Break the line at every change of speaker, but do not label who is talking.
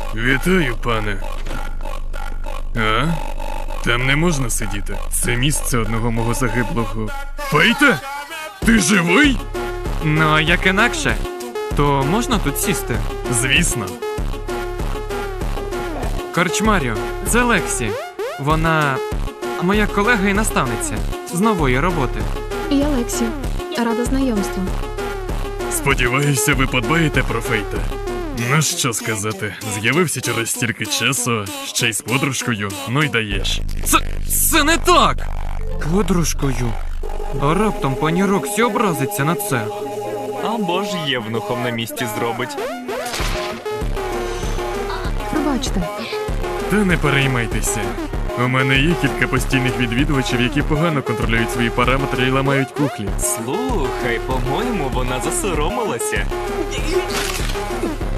Вітаю, пане. А? Там не можна сидіти. Це місце одного мого загиблого. Фейте? Ти живий?
Ну, а як інакше, то можна тут сісти?
Звісно.
Корчмарю, це Лексі. Вона моя колега і наставниця з нової роботи.
Я Лексі. Рада знайомству.
Сподіваюся, ви подбаєте про Фейта. Ну що сказати, з'явився через стільки часу, ще й з подружкою, ну й даєш.
Це не так! Подружкою. А раптом пані Роксі образиться на це.
Або ж євнухом на місці зробить.
Пробачте.
Та не переймайтеся. У мене є кілька постійних відвідувачів, які погано контролюють свої параметри і ламають кухлі.
Слухай, по-моєму, вона засоромилася.